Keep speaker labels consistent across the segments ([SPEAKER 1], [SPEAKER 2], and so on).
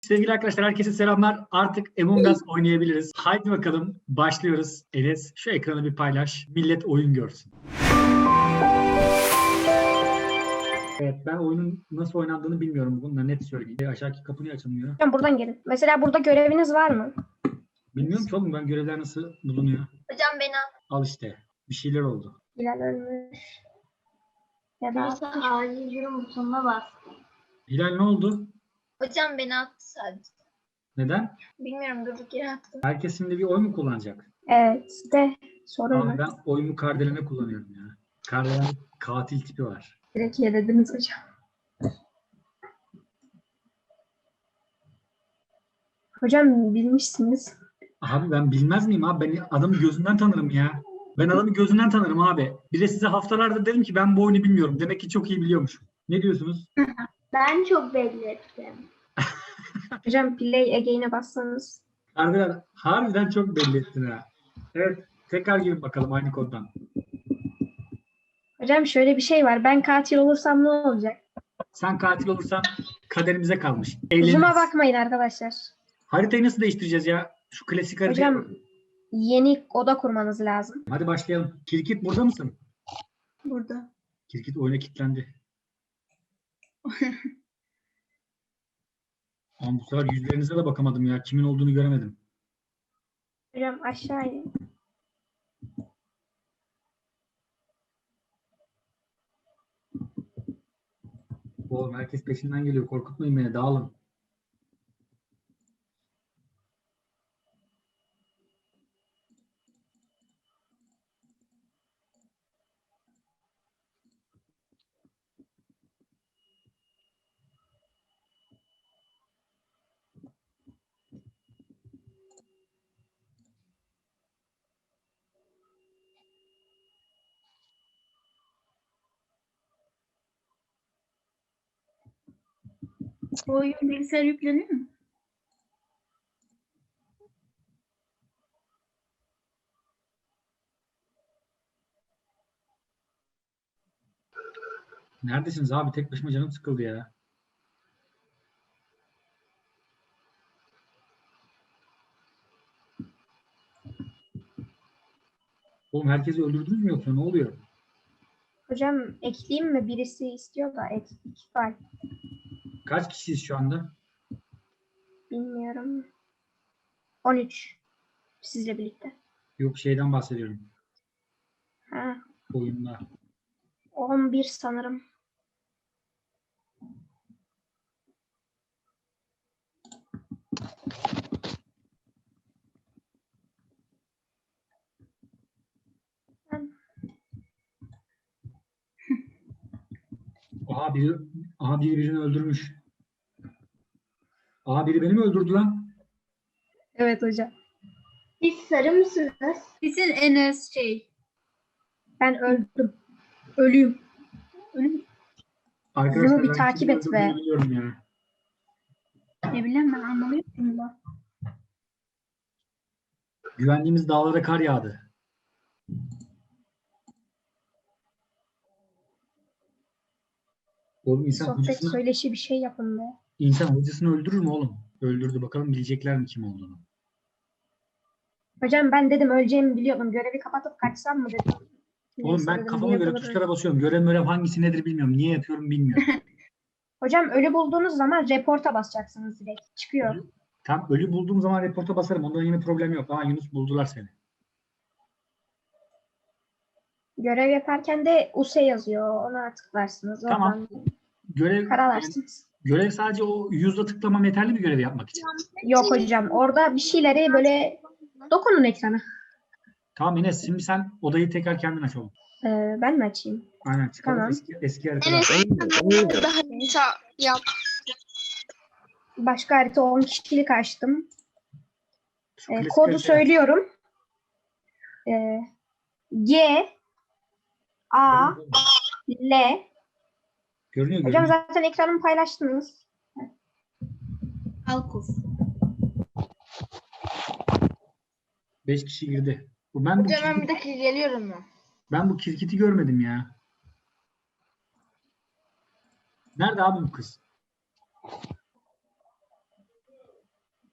[SPEAKER 1] Sevgili arkadaşlar, herkese selamlar. Artık Among Us oynayabiliriz. Haydi bakalım, başlıyoruz. Enes, şu ekranı bir paylaş. Millet oyun görsün. Evet, ben oyunun nasıl oynandığını bilmiyorum. Bunu da net söyleyeyim. Aşağıdaki kapı niye açılmıyor?
[SPEAKER 2] Hocam buradan gelin. Mesela burada göreviniz var mı?
[SPEAKER 1] Bilmiyorum ki oğlum, ben görevler nasıl bulunuyor.
[SPEAKER 3] Hocam beni
[SPEAKER 1] Al işte. Bir şeyler oldu.
[SPEAKER 2] Hilal ölmüş. Ya da
[SPEAKER 3] Neyse acil durum butonuna bas.
[SPEAKER 1] Hilal ne oldu?
[SPEAKER 3] Hocam beni attı sadece.
[SPEAKER 1] Neden?
[SPEAKER 3] Bilmiyorum durduk yere attı.
[SPEAKER 1] Herkes şimdi bir oy mu kullanacak?
[SPEAKER 2] evet de sorun
[SPEAKER 1] Abi
[SPEAKER 2] var.
[SPEAKER 1] ben oyumu Kardelen'e kullanıyorum ya. Kardelen katil tipi var.
[SPEAKER 2] Direkt yelediniz hocam. Hocam bilmişsiniz.
[SPEAKER 1] Abi ben bilmez miyim abi? Ben adamı gözünden tanırım ya. Ben adamı gözünden tanırım abi. Bir de size haftalardır dedim ki ben bu oyunu bilmiyorum. Demek ki çok iyi biliyormuşum. Ne diyorsunuz?
[SPEAKER 3] Ben çok belli ettim.
[SPEAKER 2] Hocam play again'e bassanız.
[SPEAKER 1] Harbiden çok belli ettin ha. Evet. Tekrar girin bakalım aynı koddan.
[SPEAKER 2] Hocam şöyle bir şey var. Ben katil olursam ne olacak?
[SPEAKER 1] Sen katil olursan kaderimize kalmış. Eğleniriz.
[SPEAKER 2] Zoom'a bakmayın arkadaşlar.
[SPEAKER 1] Haritayı nasıl değiştireceğiz ya? Şu klasik haritayı.
[SPEAKER 2] Hocam yeni oda kurmanız lazım.
[SPEAKER 1] Hadi başlayalım. Kirkit burada mısın?
[SPEAKER 3] Burada.
[SPEAKER 1] Kirkit oyuna kilitlendi. Ama bu sefer yüzlerinize de bakamadım ya. Kimin olduğunu göremedim.
[SPEAKER 2] Hocam aşağıya.
[SPEAKER 1] Oğlum herkes peşinden geliyor. Korkutmayın beni. Dağılın.
[SPEAKER 3] O oyun bilgisayar yükleniyor mu?
[SPEAKER 1] Neredesiniz abi? Tek başıma canım sıkıldı ya. Oğlum herkesi öldürdünüz mü yoksa ne oluyor?
[SPEAKER 2] Hocam ekleyeyim mi? Birisi istiyor da eklik var.
[SPEAKER 1] Kaç kişiyiz şu anda?
[SPEAKER 2] Bilmiyorum. 13. Sizle birlikte.
[SPEAKER 1] Yok şeyden bahsediyorum.
[SPEAKER 2] Ha,
[SPEAKER 1] Oyunda.
[SPEAKER 2] 11 sanırım.
[SPEAKER 1] Aha biri birini öldürmüş. Aha biri beni mi öldürdü lan?
[SPEAKER 2] Evet hocam.
[SPEAKER 3] Siz sarı mısınız? Sizin Enes
[SPEAKER 2] Ben öldüm. Ölüyüm.
[SPEAKER 1] Arkadaşlar
[SPEAKER 2] Bunu bir
[SPEAKER 1] ben
[SPEAKER 2] takip
[SPEAKER 1] kimin
[SPEAKER 2] et
[SPEAKER 1] öldürdüğünü
[SPEAKER 2] be.
[SPEAKER 1] biliyorum ya.
[SPEAKER 3] Ne bileyim ben anlamıyorum da.
[SPEAKER 1] Güvendiğimiz dağlara kar yağdı. Oğlum
[SPEAKER 2] Sohbet söyleşi bir şey yapın be.
[SPEAKER 1] insan hocasını öldürür mü oğlum? Öldürdü. Bakalım bilecekler mi kim olduğunu.
[SPEAKER 2] Hocam ben dedim öleceğimi biliyordum. Görevi kapatıp kaçsam mı dedim.
[SPEAKER 1] Oğlum
[SPEAKER 2] Neyse
[SPEAKER 1] ben
[SPEAKER 2] dedim,
[SPEAKER 1] kafama göre
[SPEAKER 2] yıldır-
[SPEAKER 1] tuşlara basıyorum. Görev hangisi nedir bilmiyorum. Niye yapıyorum bilmiyorum.
[SPEAKER 2] Hocam ölü bulduğunuz zaman reporta basacaksınız direkt. Çıkıyor.
[SPEAKER 1] Tam ölü bulduğum zaman reporta basarım. Ondan yine problem yok. Aa Yunus buldular seni.
[SPEAKER 2] Görev yaparken de USE yazıyor. Ona tıklarsınız.
[SPEAKER 1] Tamam.
[SPEAKER 2] Oradan
[SPEAKER 1] Görev
[SPEAKER 2] karalarsınız.
[SPEAKER 1] görev sadece o yüzle tıklamam yeterli mi görevi yapmak için?
[SPEAKER 2] Yok hocam. Orada bir şeyleri böyle dokunun ekrana.
[SPEAKER 1] Tamam Enes şimdi sen odayı tekrar kendin aç oğlum.
[SPEAKER 2] Ben mi açayım?
[SPEAKER 1] Aynen çıkalım
[SPEAKER 2] Tamam.
[SPEAKER 1] eski haritadan.
[SPEAKER 3] Daha yap.
[SPEAKER 2] Başka harita 10 kişilik açtım.
[SPEAKER 1] Şu klasik
[SPEAKER 2] Kodu
[SPEAKER 1] haritayı aç.
[SPEAKER 2] söylüyorum. G A L.
[SPEAKER 1] Görünüyor
[SPEAKER 2] Hocam
[SPEAKER 1] görünüyor.
[SPEAKER 2] zaten ekranımı paylaştınız.
[SPEAKER 3] Alkuf.
[SPEAKER 1] 5 kişi girdi.
[SPEAKER 3] Hocam ben bir dakika geliyorum mu?
[SPEAKER 1] Ben bu kirkiti görmedim ya. Nerede abi bu kız?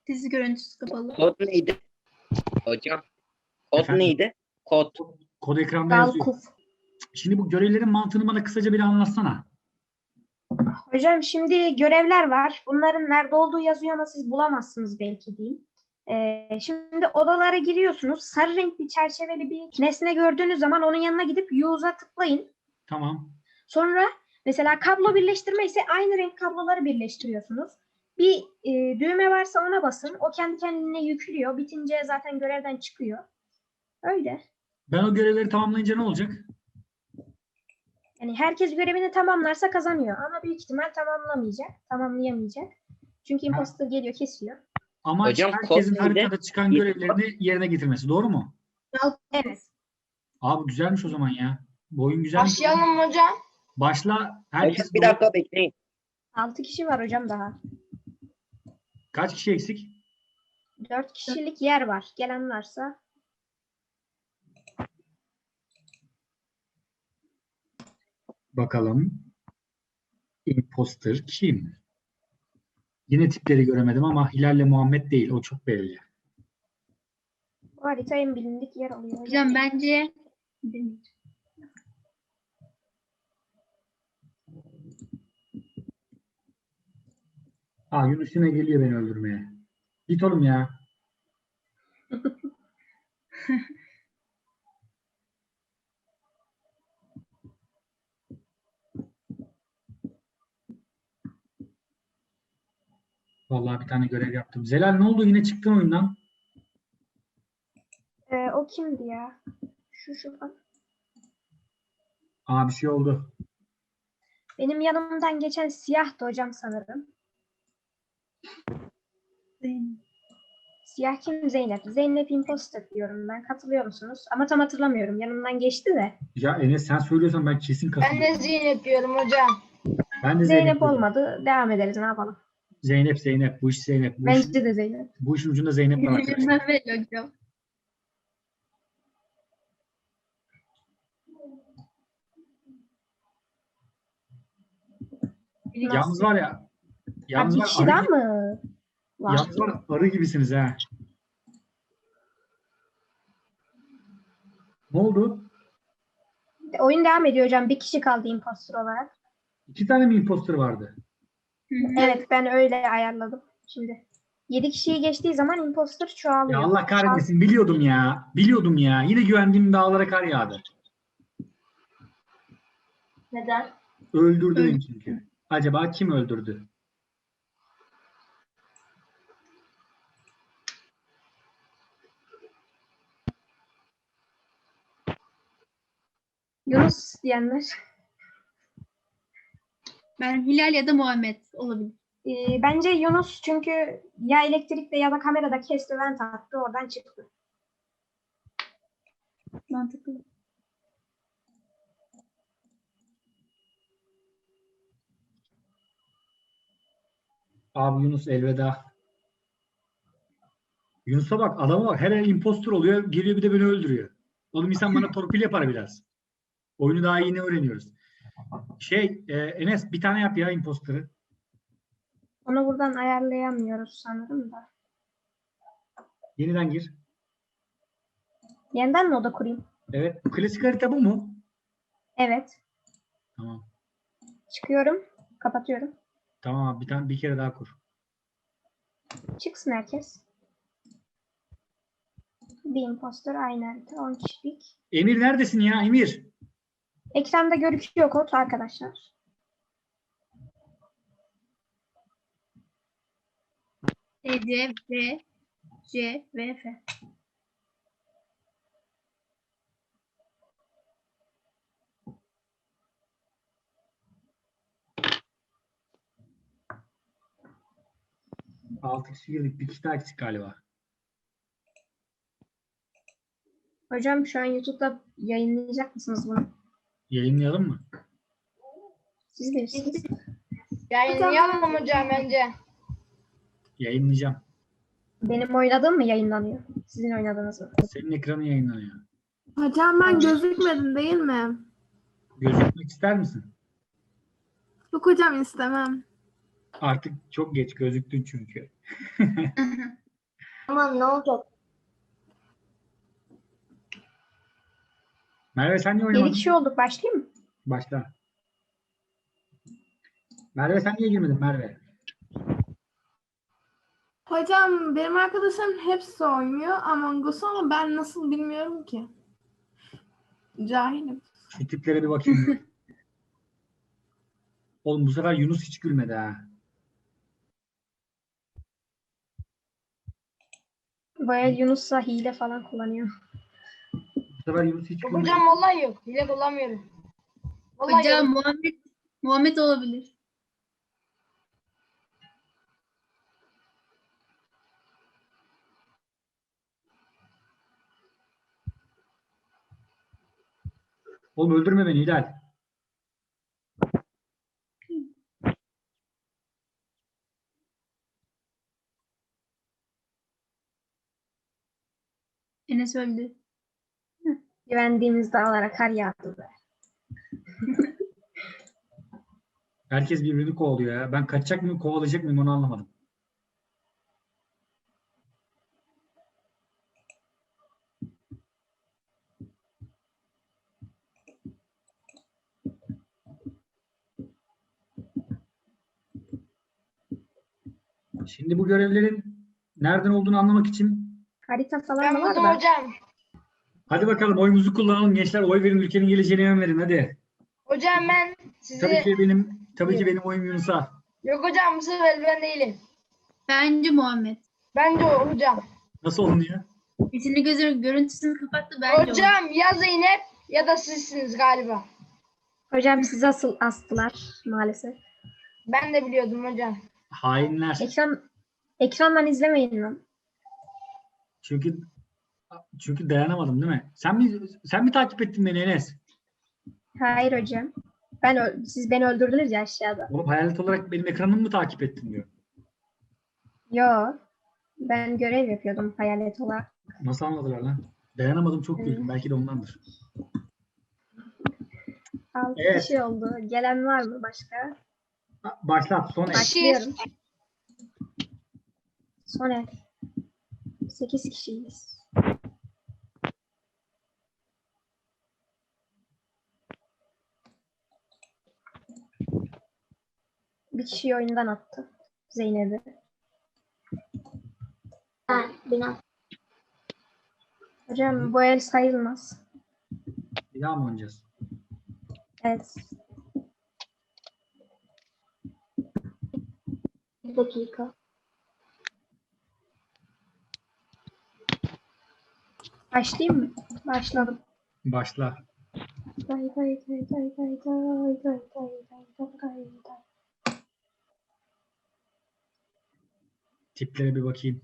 [SPEAKER 3] Dizi görüntüsü kapalı.
[SPEAKER 4] Kod neydi? Hocam. Kod
[SPEAKER 1] Efendim?
[SPEAKER 4] neydi? Kod.
[SPEAKER 1] Kod ekranda yazıyor.
[SPEAKER 2] Dalkuf.
[SPEAKER 1] Şimdi bu görevlerin mantığını bana kısaca bir anlatsana.
[SPEAKER 2] Hocam şimdi görevler var. Bunların nerede olduğu yazıyor ama siz bulamazsınız belki diyeyim. Şimdi odalara giriyorsunuz. Sarı renkli çerçeveli bir nesne gördüğünüz zaman onun yanına gidip use'a tıklayın.
[SPEAKER 1] Tamam.
[SPEAKER 2] Sonra mesela kablo birleştirme ise aynı renk kabloları birleştiriyorsunuz. Bir düğme varsa ona basın. O kendi kendine yüklüyor. Bitince zaten görevden çıkıyor. Öyle.
[SPEAKER 1] Ben o görevleri tamamlayınca ne olacak?
[SPEAKER 2] Yani herkes görevini tamamlarsa kazanıyor. Ama büyük ihtimal tamamlayamayacak. Çünkü imposter geliyor, kesiyor.
[SPEAKER 1] Amaç
[SPEAKER 4] Hocam,
[SPEAKER 1] herkesin
[SPEAKER 4] kod neydi?
[SPEAKER 1] haritada çıkan görevlerini yerine getirmesi. Doğru mu?
[SPEAKER 2] Evet.
[SPEAKER 1] Abi güzelmiş o zaman ya. Bu oyun güzelmiş.
[SPEAKER 3] Başlayalım hocam.
[SPEAKER 1] Başla. Herkes
[SPEAKER 4] Hocam bir dakika bekleyin.
[SPEAKER 2] 6 kişi var hocam daha.
[SPEAKER 1] Kaç kişi eksik?
[SPEAKER 2] 4 kişilik yer var. Gelen varsa.
[SPEAKER 1] Bakalım. Imposter kim? Yine tipleri göremedim ama Hilal'le Muhammed değil. O çok belli.
[SPEAKER 2] Bu harita en bilindik yer oluyor.
[SPEAKER 3] Hocam bence
[SPEAKER 1] Yunus yine geliyor beni öldürmeye. Git oğlum ya. Vallahi bir tane görev yaptım. Zelal ne oldu? Yine çıktın oyundan.
[SPEAKER 2] O kimdi ya? Şu.
[SPEAKER 1] Bir şey oldu.
[SPEAKER 2] Benim yanımdan geçen siyahtı hocam sanırım. Siyah kim? Zeynep. Zeynep imposter diyorum ben. Katılıyor musunuz? Ama tam hatırlamıyorum. Yanımdan geçti de.
[SPEAKER 1] Ya Enes sen söylüyorsan ben kesin
[SPEAKER 3] ben
[SPEAKER 1] katılıyorum.
[SPEAKER 3] de Zeynep diyorum hocam.
[SPEAKER 1] Ben de
[SPEAKER 2] Zeynep
[SPEAKER 1] diyorum.
[SPEAKER 2] olmadı. Devam ederiz. Ne yapalım?
[SPEAKER 1] Zeynep. Bu iş Zeynep.
[SPEAKER 2] Bence de Zeynep.
[SPEAKER 1] Bu işin ucunda Zeynep var arkadaşlar.
[SPEAKER 3] Mehmet hocam.
[SPEAKER 1] Yalnız var ya. Yalnız
[SPEAKER 2] Bir
[SPEAKER 1] var,
[SPEAKER 2] kişi
[SPEAKER 1] arı
[SPEAKER 2] daha
[SPEAKER 1] gibi-
[SPEAKER 2] mı? Var.
[SPEAKER 1] Yalnız var arı gibisiniz ha. Ne oldu?
[SPEAKER 2] Oyun devam ediyor hocam. Bir kişi kaldı imposter olarak.
[SPEAKER 1] 2 tane mi imposter vardı?
[SPEAKER 2] Evet ben öyle ayarladım. Şimdi 7 kişiyi geçtiği zaman imposter
[SPEAKER 1] Ya
[SPEAKER 2] çoğalıyor.
[SPEAKER 1] Allah kahretmesin. Biliyordum ya. Biliyordum ya. Yine güvendiğim dağlara kar yağdı.
[SPEAKER 3] Neden?
[SPEAKER 1] Öldürdüm çünkü. Acaba kim öldürdü?
[SPEAKER 2] Yunus diyenler.
[SPEAKER 3] Ben Hilal ya da Muhammed olabilir.
[SPEAKER 2] Bence Yunus çünkü ya elektrikte ya da kamerada kesti vent attı oradan çıktı.
[SPEAKER 3] Mantıklı.
[SPEAKER 1] Abi Yunus elveda. Yunus'a bak, adama bak. Her el impostor oluyor. Geliyor bir de beni öldürüyor. Oğlum insan bana torpil yapar biraz. Oyunu daha yeni öğreniyoruz. Enes bir tane yap ya imposter'ı.
[SPEAKER 2] Onu buradan ayarlayamıyoruz sanırım da.
[SPEAKER 1] Yeniden gir.
[SPEAKER 2] Yeniden mi oda kurayım?
[SPEAKER 1] Evet. Klasik harita bu mu?
[SPEAKER 2] Evet.
[SPEAKER 1] Tamam.
[SPEAKER 2] Çıkıyorum. Kapatıyorum.
[SPEAKER 1] Tamam abi bir kere daha kur.
[SPEAKER 2] Çıksın herkes. Bir imposter aynı harita. 10 kişilik.
[SPEAKER 1] Emir neredesin ya Emir?
[SPEAKER 2] Ekranda görüküyor kod arkadaşlar.
[SPEAKER 3] C, V, C, V, F.
[SPEAKER 1] Altı kişi girdik. Bir kişi daha eksik galiba.
[SPEAKER 2] Hocam şu an YouTube'da yayınlayacak mısınız bunu?
[SPEAKER 1] Yayınlayalım mı?
[SPEAKER 2] Siz bilirsiniz.
[SPEAKER 3] Yayınlayalım hocam bence.
[SPEAKER 1] Yayınlayacağım.
[SPEAKER 2] Benim oynadığım mı yayınlanıyor? Sizin oynadığınız mı?
[SPEAKER 1] Senin ekranın yayınlanıyor.
[SPEAKER 5] Hocam ben gözükmedim değil mi?
[SPEAKER 1] Gözükmek ister misin?
[SPEAKER 5] Yok hocam istemem.
[SPEAKER 1] Artık çok geç gözüktün çünkü.
[SPEAKER 3] Tamam ne olacak?
[SPEAKER 1] Merve sen niye
[SPEAKER 2] 7
[SPEAKER 1] oynamadın?
[SPEAKER 2] kişi olduk. Başlayayım mı?
[SPEAKER 1] Başla. Merve sen niye girmedin Merve?
[SPEAKER 5] Hocam benim arkadaşlarım hepsi oynuyor Among Us ama ben nasıl bilmiyorum ki. Cahilim.
[SPEAKER 1] Şu tiplere bir bakayım. Oğlum bu sefer Yunus hiç gülmedi ha.
[SPEAKER 2] Bu el Yunus'la hile falan kullanıyor.
[SPEAKER 1] Bu sefer Yunus hiç
[SPEAKER 6] Yok
[SPEAKER 1] gülmedi.
[SPEAKER 6] hocam vallahi yok. Hile kullanmıyorum. Vallahi
[SPEAKER 3] Hocam
[SPEAKER 6] yok.
[SPEAKER 3] Muhammed olabilir.
[SPEAKER 1] Oğlum öldürme beni Hilal.
[SPEAKER 3] Enes öldü.
[SPEAKER 2] Güvendiğimiz dağlara kar yağdı be.
[SPEAKER 1] Herkes birbirini kovalıyor ya. Ben kaçacak mıyım, kovalayacak mıyım onu anlamadım. Şimdi bu görevlerin nereden olduğunu anlamak için
[SPEAKER 2] Harita falan
[SPEAKER 6] Ben
[SPEAKER 2] da var
[SPEAKER 6] buldum
[SPEAKER 2] da.
[SPEAKER 6] hocam.
[SPEAKER 1] hadi bakalım oyumuzu kullanalım gençler. Oy verin, ülkenin geleceğine yön verin hadi.
[SPEAKER 6] Hocam ben
[SPEAKER 1] Tabii
[SPEAKER 6] sizi...
[SPEAKER 1] ki benim oyum Yunus'a.
[SPEAKER 6] Yok hocam bu sefer ben değilim.
[SPEAKER 3] Bence Muhammed.
[SPEAKER 6] Bence o hocam.
[SPEAKER 1] Nasıl olunuyor?
[SPEAKER 3] Sesini görüntüsünü kapattı bence o.
[SPEAKER 6] Hocam ya Zeynep ya da sizsiniz galiba.
[SPEAKER 2] Hocam sizi asıl astılar maalesef.
[SPEAKER 6] Ben de biliyordum hocam.
[SPEAKER 1] Hainler.
[SPEAKER 2] Ekrandan izlemeyin lan.
[SPEAKER 1] Çünkü dayanamadım değil mi? Sen mi takip ettin beni Enes?
[SPEAKER 2] Hayır hocam. Siz beni öldürdünüz ya aşağıda.
[SPEAKER 1] Oğlum hayalet olarak benim ekranımı mı takip ettin diyor.
[SPEAKER 2] Yo. Ben görev yapıyordum hayalet olarak.
[SPEAKER 1] Nasıl anladılar lan? Dayanamadım çok güldüm. Belki de ondandır.
[SPEAKER 2] 6
[SPEAKER 1] Evet.
[SPEAKER 2] kişi oldu. Gelen var mı başka?
[SPEAKER 1] Başlat son el.
[SPEAKER 2] Başlıyorum. Son el. 8 kişiyiz. Bir kişiyi oyundan attı. Zeynep'i.
[SPEAKER 3] Bina.
[SPEAKER 2] Hocam bu el sayılmaz.
[SPEAKER 1] Bir daha mı oynayacağız?
[SPEAKER 2] Evet.
[SPEAKER 3] Bir dakika.
[SPEAKER 2] Başlayayım mı? Başladım.
[SPEAKER 1] Başla.
[SPEAKER 2] Day day day day day day day day day day day.
[SPEAKER 1] Tiplere bir bakayım.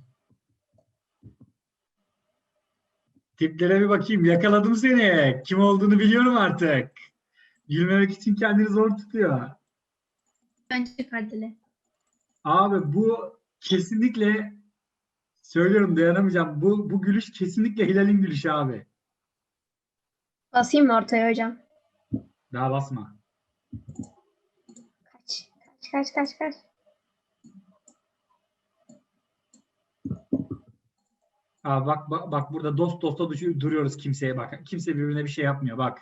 [SPEAKER 1] Tiplere bir bakayım. Yakaladım seni. Kim olduğunu biliyorum artık. Gülmemek için kendini zor tutuyor.
[SPEAKER 3] Bence Kardele.
[SPEAKER 1] Abi bu kesinlikle söylüyorum dayanamayacağım. Bu gülüş kesinlikle Hilal'in gülüşü abi.
[SPEAKER 2] Basayım mı ortaya hocam?
[SPEAKER 1] Daha basma.
[SPEAKER 2] Kaç.
[SPEAKER 1] Aa, bak burada dost dosta duruyoruz kimseye bak. Kimse birbirine bir şey yapmıyor bak.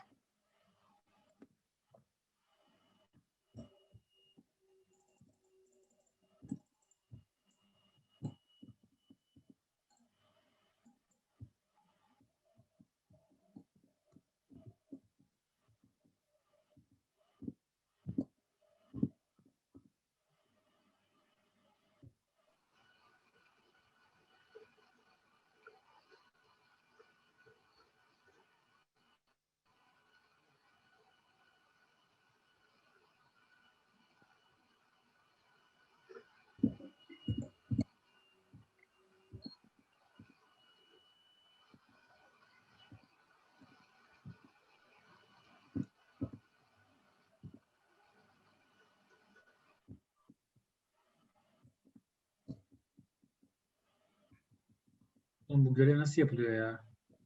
[SPEAKER 1] Oğlum bu görev nasıl yapılıyor ya?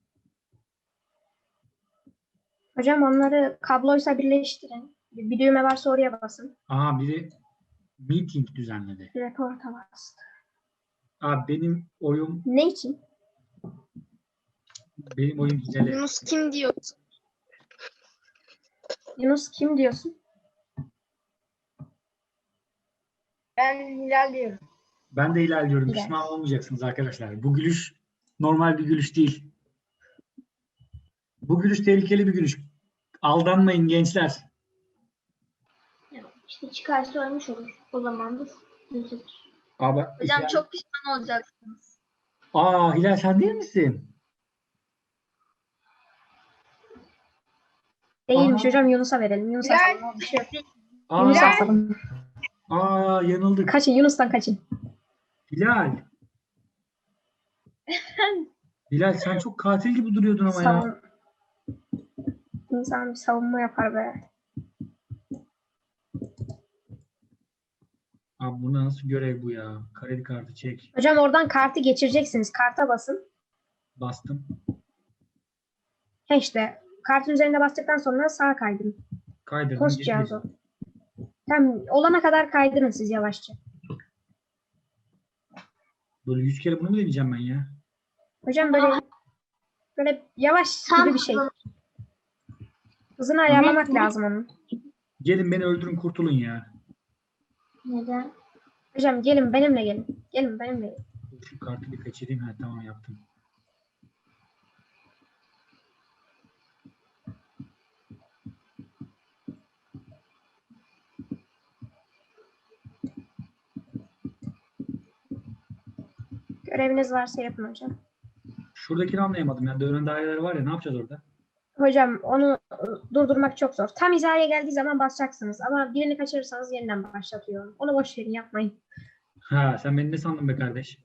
[SPEAKER 2] Hocam onları kabloysa birleştirin. Bir düğme varsa oraya basın.
[SPEAKER 1] Aha biri meeting düzenledi.
[SPEAKER 2] Reporta bastı.
[SPEAKER 1] Abi benim oyum
[SPEAKER 2] Ne için?
[SPEAKER 1] Hilal'e.
[SPEAKER 3] Yunus kim diyor?
[SPEAKER 2] Yunus kim diyorsun?
[SPEAKER 6] Ben Hilal diyorum.
[SPEAKER 1] Ben de Hilal diyorum.
[SPEAKER 2] Hilal.
[SPEAKER 1] Pişman olmayacaksınız arkadaşlar. Bu gülüş normal bir gülüş değil. Bu gülüş tehlikeli bir gülüş. Aldanmayın gençler.
[SPEAKER 3] İşte çıkarsa ölmüş olur. O zaman da üzülür.
[SPEAKER 1] Abi,
[SPEAKER 3] Hocam
[SPEAKER 1] Hilal-
[SPEAKER 3] çok pişman olacaksınız.
[SPEAKER 1] Hilal sen değil misin?
[SPEAKER 2] Değilmiş
[SPEAKER 1] Aha.
[SPEAKER 2] hocam, Yunus'a verelim. Yunus'a
[SPEAKER 6] Hilal.
[SPEAKER 2] asalım. Bir şey yok.
[SPEAKER 1] Aa,
[SPEAKER 2] Yunus'a asalım.
[SPEAKER 1] yanıldık.
[SPEAKER 2] Kaçın, Yunus'tan kaçın.
[SPEAKER 1] Hilal. Hilal sen çok katil gibi duruyordun ama ya.
[SPEAKER 2] Savun. İnsan bir savunma yapar be.
[SPEAKER 1] Abi bu nasıl görev bu ya? Kredi kartı çek.
[SPEAKER 2] Hocam oradan kartı geçireceksiniz. Karta basın.
[SPEAKER 1] Bastım.
[SPEAKER 2] He işte. Kartın üzerine bastıktan sonra sağa kaydırın.
[SPEAKER 1] Kaydırdım.
[SPEAKER 2] Post
[SPEAKER 1] geçmiş.
[SPEAKER 2] cihazı. Tam olana kadar kaydırın siz yavaşça.
[SPEAKER 1] Böyle 100 kere bunu mu deneyeceğim ben ya?
[SPEAKER 2] Hocam böyle yavaş gibi bir şey. Hızını ayarlamak lazım onun.
[SPEAKER 1] Gelin beni öldürün kurtulun ya.
[SPEAKER 3] Neden?
[SPEAKER 2] Hocam gelin benimle gelin. Gelin benimle gelin.
[SPEAKER 1] Şu kartı bir kaçırayım. Ha, tamam yaptım.
[SPEAKER 2] Göreviniz varsa yapın hocam.
[SPEAKER 1] Şuradakini anlayamadım. Yani dönen daireler var ya, ne yapacağız orada?
[SPEAKER 2] Hocam onu durdurmak çok zor. Tam hizaya geldiği zaman basacaksınız. Ama birini kaçırırsanız yeniden başlatıyor. Onu boş verin, yapmayın.
[SPEAKER 1] Ha, sen beni ne sandın be kardeş?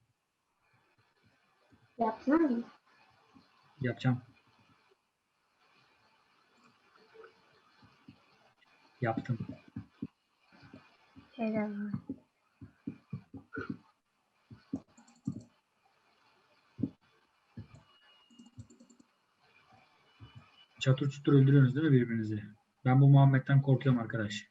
[SPEAKER 3] Yaptın mı?
[SPEAKER 1] Yapacağım. Yaptım.
[SPEAKER 2] Helal.
[SPEAKER 1] Çatır çutur öldürüyorsunuz değil mi birbirinizi? Ben bu Muhammed'den korkuyorum arkadaş.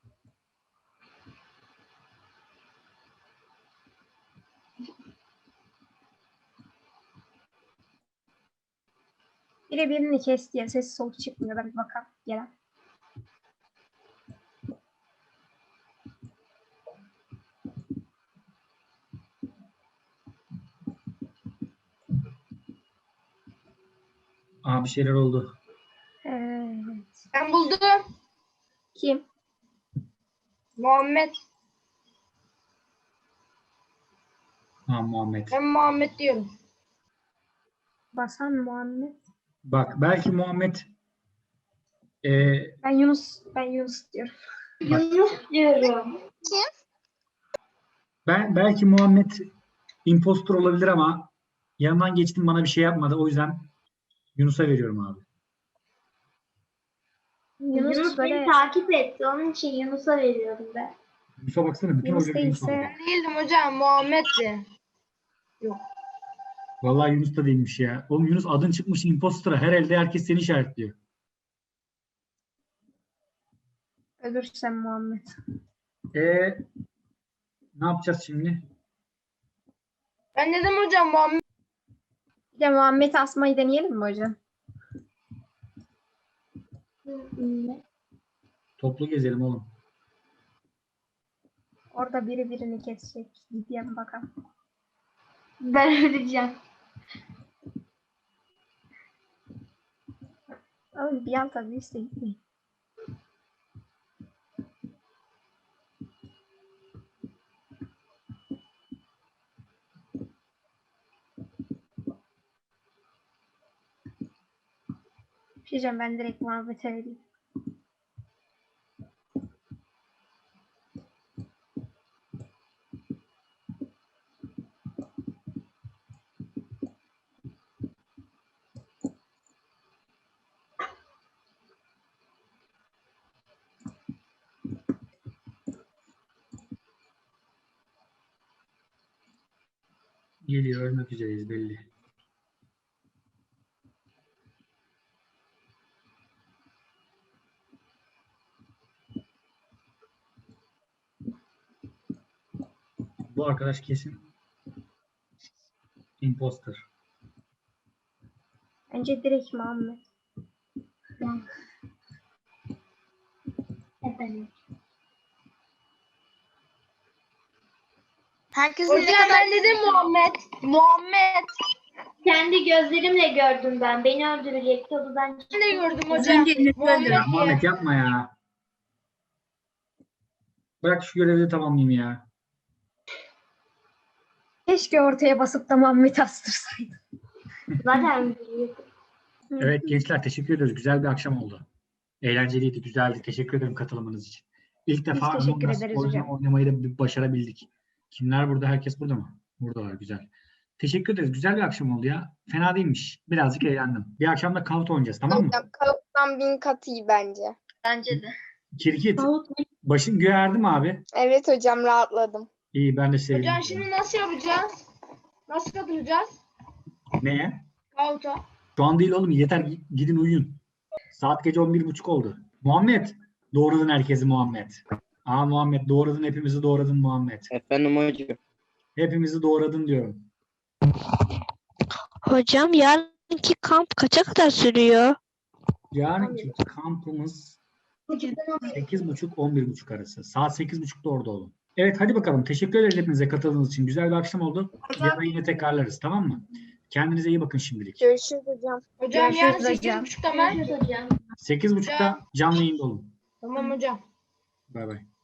[SPEAKER 2] Biri birini kesti ya, ses soluk çıkmıyor. Ben bir bakalım. Gelen.
[SPEAKER 1] Bir şeyler oldu.
[SPEAKER 2] Evet.
[SPEAKER 6] Ben buldum.
[SPEAKER 2] Kim?
[SPEAKER 6] Muhammed.
[SPEAKER 1] Muhammed.
[SPEAKER 6] Ben Muhammed diyorum.
[SPEAKER 2] Basan Muhammed.
[SPEAKER 1] Bak belki Muhammed
[SPEAKER 2] Ben Yunus diyorum.
[SPEAKER 3] Yunus diyorum.
[SPEAKER 1] belki Muhammed impostor olabilir ama yanından geçtim, bana bir şey yapmadı. O yüzden Yunus'a veriyorum abi.
[SPEAKER 3] Yunus
[SPEAKER 2] böyle
[SPEAKER 3] beni takip etti. Onun için Yunus'a veriyorum ben.
[SPEAKER 1] Yunus'a baksana, bütün
[SPEAKER 2] Yunus
[SPEAKER 1] oyları Yunus aldı.
[SPEAKER 2] değilse
[SPEAKER 6] Değildim hocam, Muhammed'di.
[SPEAKER 1] Vallahi Yunus da değilmiş ya. Oğlum Yunus adın çıkmış impostora. Her elde herkes seni işaretliyor.
[SPEAKER 2] ölürsem Muhammed.
[SPEAKER 1] Ne yapacağız şimdi?
[SPEAKER 6] Ben dedim hocam Muhammed.
[SPEAKER 2] Bir de Muhammed'i asmayı deneyelim mi hocam?
[SPEAKER 1] Toplu gezelim oğlum.
[SPEAKER 2] Orada biri birini kesecek. Gideyim bakalım.
[SPEAKER 3] Ben öleceğim.
[SPEAKER 2] Oğlum bir an tabii işte gitmeyin. Bir şey diyeceğim, ben direkt Muhammed'e vereyim.
[SPEAKER 1] Geliyor, ölmek üzereyiz belli. Bu arkadaş kesin Imposter.
[SPEAKER 2] Bence direkt Muhammed.
[SPEAKER 3] Efendim.
[SPEAKER 7] Herkesin
[SPEAKER 6] Hocam ben dedim Muhammed. Muhammed.
[SPEAKER 3] Kendi gözlerimle gördüm ben. Beni öldürecekti. Odadan
[SPEAKER 6] Ben de gördüm
[SPEAKER 3] Az
[SPEAKER 6] hocam.
[SPEAKER 3] önce Enes'i
[SPEAKER 6] Muhammed
[SPEAKER 1] Ya
[SPEAKER 6] diye.
[SPEAKER 1] Muhammed yapma ya. Bırak şu görevi de tamamlayayım ya.
[SPEAKER 2] Keşke ortaya basıp da Muhammed'i astırsaydım.
[SPEAKER 3] zaten biliyordum.
[SPEAKER 1] Evet gençler teşekkür ediyoruz. Güzel bir akşam oldu. Eğlenceliydi, güzeldi. Teşekkür ederim katılımınız için. İlk defa
[SPEAKER 2] teşekkür
[SPEAKER 1] Among Us
[SPEAKER 2] ederiz
[SPEAKER 1] oyunu
[SPEAKER 2] hocam.
[SPEAKER 1] oynamayı da başarabildik. Kimler burada? Herkes burada mı? Buradalar. Güzel. Teşekkür ederiz. Güzel bir akşam oldu ya. Fena değilmiş. Birazcık eğlendim. Bir akşam da Kavut oynayacağız, tamam mı?
[SPEAKER 7] Hocam kavuktan 1000 kat iyi bence.
[SPEAKER 3] Bence de.
[SPEAKER 1] Kirkit. Başın göğe erdi mi abi?
[SPEAKER 7] Evet hocam rahatladım.
[SPEAKER 1] İyi ben de sevindim.
[SPEAKER 6] Hocam şimdi nasıl yapacağız? Nasıl katılacağız?
[SPEAKER 1] Neye?
[SPEAKER 6] Kavuta.
[SPEAKER 1] Şu an değil oğlum. Yeter gidin uyuyun. Saat gece 11.30 oldu. Muhammed. Doğradın herkesi Muhammed. Muhammed doğradın. Hepimizi doğradın Muhammed.
[SPEAKER 4] Efendim hocam.
[SPEAKER 1] Hepimizi doğradın diyorum.
[SPEAKER 8] Hocam yarınki kamp kaça kadar sürüyor?
[SPEAKER 1] Yarınki kampımız 8.30-11.30 arası. Saat 8.30'da orada olun. Evet hadi bakalım. Teşekkür ederiz hepinize katıldığınız için. Güzel bir akşam oldu. Yarın yine tekrarlarız, tamam mı? Kendinize iyi bakın şimdilik.
[SPEAKER 7] Görüşürüz hocam.
[SPEAKER 6] Hocam yarın
[SPEAKER 2] Görüşürüz hocam.
[SPEAKER 6] 8.30'da ben.
[SPEAKER 3] Görüşürüz hocam.
[SPEAKER 1] 8.30'da canlı yayında olun.
[SPEAKER 6] Tamam hocam.
[SPEAKER 1] Bay bay.